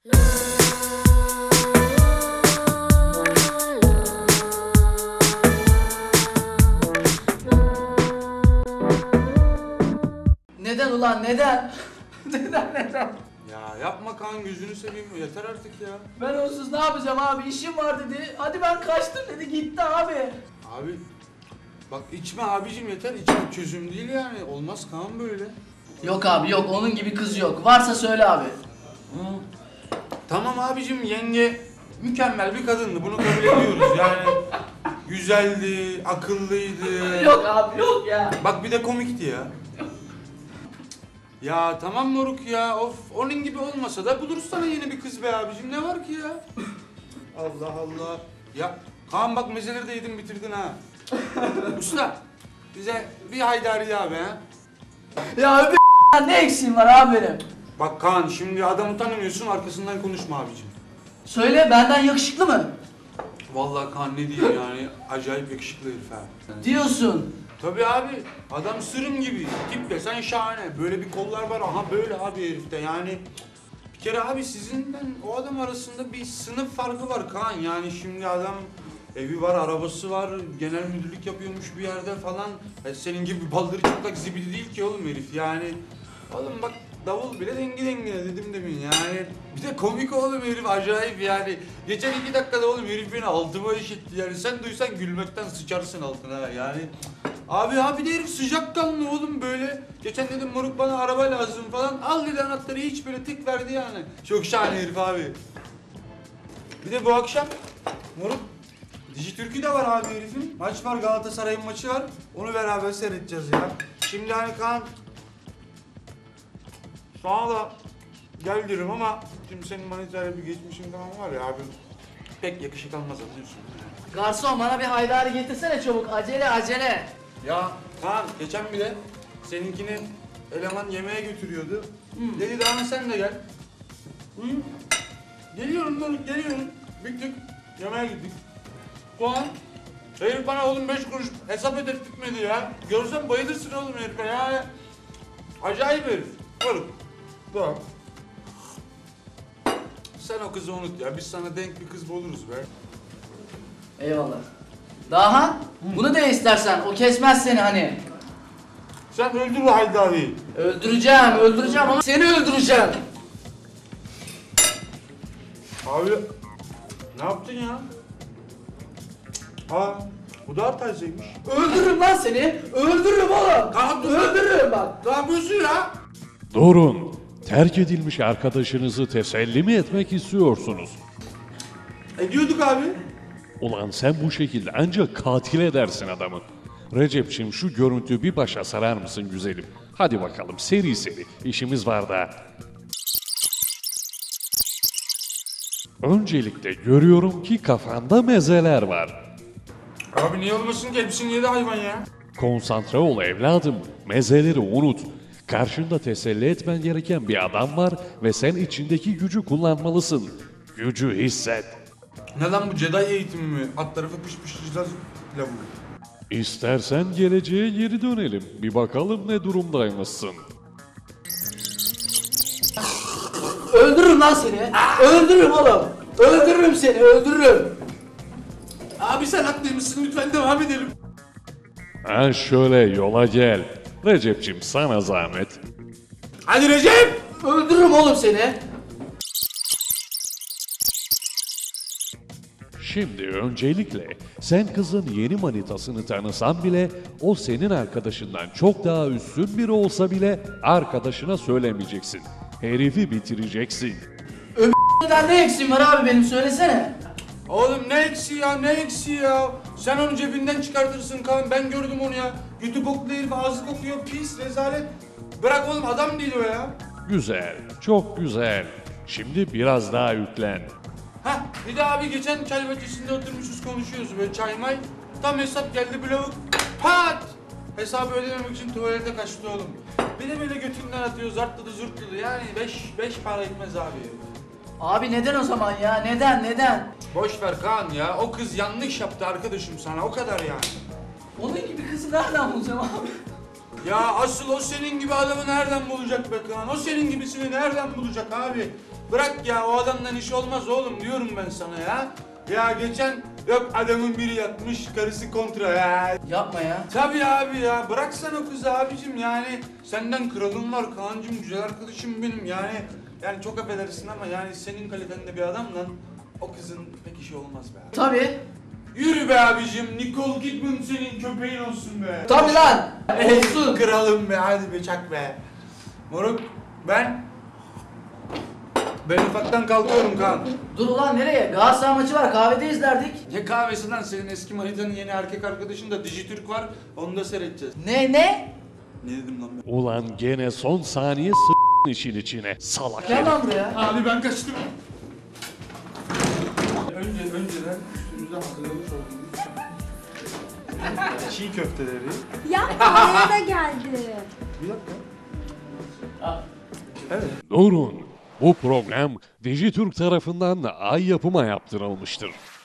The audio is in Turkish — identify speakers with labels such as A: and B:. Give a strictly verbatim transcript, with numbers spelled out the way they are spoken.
A: Neden ulan neden? neden neden?
B: Ya yapma Kaan, gözünü seveyim, yeter artık ya.
A: Ben onsuz ne yapacağım abi? İşim var dedi. Hadi ben kaçtım dedi, gitti abi.
B: Abi bak içme abicim, yeter, içmek çözüm değil yani, olmaz Kaan böyle.
A: Yok abi yok, onun gibi kız yok. Varsa söyle abi.
B: Hı. Tamam abicim, yenge mükemmel bir kadındı, bunu kabul ediyoruz yani. Güzeldi, akıllıydı.
A: Yok abi yok ya.
B: Bak bir de komikti ya. Ya tamam moruk ya, of, onun gibi olmasa da buluruz sana yeni bir kız be abicim, ne var ki ya? Allah Allah. Ya Kaan bak, mezeleri de yedin bitirdin ha. Usta, bize bir haydari daha be ha.
A: Ya öbür ne eksiğim var abi benim?
B: Bak Kaan, şimdi adamı tanımıyorsun, arkasından konuşma abicim.
A: Söyle, benden yakışıklı mı?
B: Vallahi Kaan ne diyeyim yani, acayip yakışıklı herif ha.
A: Diyorsun.
B: Tabii abi, adam sırım gibi, tip desen şahane. Böyle bir kollar var, aha böyle abi herifte yani. Bir kere abi sizinle o adam arasında bir sınıf farkı var Kaan. Yani şimdi adam evi var, arabası var, genel müdürlük yapıyormuş bir yerde falan. E senin gibi baldırı çıplak zibidi değil ki oğlum herif yani. Oğlum bak, davul bile dengi dengine dedim demin yani. Bir de komik oğlum herif, acayip yani. Geçen iki dakikada oğlum herif beni altıma işitti yani. Sen duysan gülmekten sıçarsın altına yani. Abi abi de herif sıcakkanlı oğlum böyle. Geçen dedim moruk bana araba lazım falan. Al dedi anahtarı, hiç böyle tık verdi yani. Çok şahane herif abi. Bir de bu akşam moruk Dijitürk'ü de var abi herifin. Maç var, Galatasaray'ın maçı var. Onu beraber seyredeceğiz ya. Şimdi hani Kaan sana da gel derim ama şimdi senin manitayla bir geçmişin falan var ya abi. Pek yakışık almaz, anlıyorsun.
A: Garson bana bir haydari getirsene çabuk. Acele acele.
B: Ya Kaan geçen bir de seninkini eleman yemeğe götürüyordu.
A: Hı.
B: Dedi daha sen de gel. Hı? Geliyorum dur, geliyorum. Bittik. Yemeğe gittik. Kaan herif bana oğlum beş kuruş hesap ödettirmedi ya. Görsen bayılırsın oğlum herife ya. Acayip herif. Oğlum. Tamam. Sen o kızı unut ya. Biz sana denk bir kız buluruz be.
A: Eyvallah. Daha? Bunu da istersen, o kesmez seni hani.
B: Sen öldür o Haydari'yi.
A: Öldüreceğim, öldüreceğim ama seni öldüreceğim.
B: Abi ne yaptın ya? Aa, bu da Artay'cıymış.
A: Öldürürüm lan seni. Öldürürüm oğlum.
B: Kalk dur.
A: Öldürürüm bak.
B: Ne yapıyorsun ya?
C: Durun. Terk edilmiş arkadaşınızı teselli mi etmek istiyorsunuz?
B: Ediyorduk abi.
C: Ulan sen bu şekilde ancak katil edersin adamı. Recep'ciğim şu görüntüyü bir başa sarar mısın güzelim? Hadi bakalım seri seri işimiz var da. Öncelikle görüyorum ki kafanda mezeler var.
B: Abi niye olmasın ki? Hepsini yedi hayvan ya.
C: Konsantre ol evladım. Mezeleri unut. Karşında teselli etmen gereken bir adam var ve sen içindeki gücü kullanmalısın. Gücü hisset.
B: Ne lan bu Jedi eğitimi mi? At tarafı pış pış cızaz lavuğu.
C: İstersen geleceğe geri dönelim. Bir bakalım ne durumdaymışsın.
A: Öldürürüm lan seni. Öldürürüm oğlum. Öldürürüm seni, öldürürüm.
B: Abi sen haklıymışsın, lütfen devam edelim.
C: Ha şöyle yola gel. Recep'cim sana zahmet.
B: Hadi Recep!
A: Öldürürüm oğlum seni.
C: Şimdi öncelikle sen kızın yeni manitasını tanısan bile o senin arkadaşından çok daha üstün biri olsa bile arkadaşına söylemeyeceksin. Herifi bitireceksin.
A: Neden ne eksiğim var abi benim, söylesene.
B: Oğlum ne eksiği ya, ne eksiği ya? Sen onu cebinden çıkartırsın Kaan, ben gördüm onu ya. Götü boklu herif, ağzı kokuyor, pis, rezalet. Bırak oğlum, adam değil o ya.
C: Güzel, çok güzel. Şimdi biraz daha yüklen.
B: Hah, bir de abi geçen çay bahçesinde oturmuşuz, konuşuyoruz böyle çay may. Tam hesap geldi, bir lavuk pat! Hesabı ödememek için tuvalete kaçtı oğlum. Bir de böyle götünden atıyor, zartladı zurtladı, yani beş, beş para etmez abi.
A: Abi neden o zaman ya? Neden, neden?
B: Boş ver Kaan ya, o kız yanlış yaptı arkadaşım sana, o kadar yani.
A: Onun gibi kızı nereden bulacağım abi?
B: Ya asıl o senin gibi adamı nereden bulacak be Kaan? O senin gibisini nereden bulacak abi? Bırak ya, o adamdan iş olmaz oğlum diyorum ben sana ya. Ya geçen yok adamın biri yatmış, karısı kontra ya.
A: Yapma ya.
B: Tabii abi ya, bıraksan o kızı abicim yani. Senden kralım var Kaan'cığım, güzel arkadaşım benim yani. Yani çok affedersin ama yani senin kalitende bir adamla o kızın pek işi olmaz be abi.
A: Tabii.
B: Yürü be abicim, Nicole Kidman senin köpeğin olsun be.
A: Tabii lan.
B: Olsun kralım be, hadi be çak be. Moruk ben... Ben ufaktan kalkıyorum Kaan.
A: Dur ulan nereye? Galatasaray maçı var, kahvede izlerdik.
B: Ne kahvesinden, senin eski manitanın yeni erkek arkadaşın da Dijitürk var, onu da seyredeceğiz.
A: Ne ne?
B: Ne dedim lan ben?
C: Ulan gene son saniye s***in işin içine. Salak
A: Ne
C: herif.
A: lan bu ya?
B: Abi ben kaçtım. Önce önceden üstümüze hazırlamış olduğumuz çiğ köfteleri.
D: Ya oraya da geldi.
B: Bir dakika. Evet.
C: Durun. Bu program Dijitürk tarafından Ay Yapım'a yaptırılmıştır.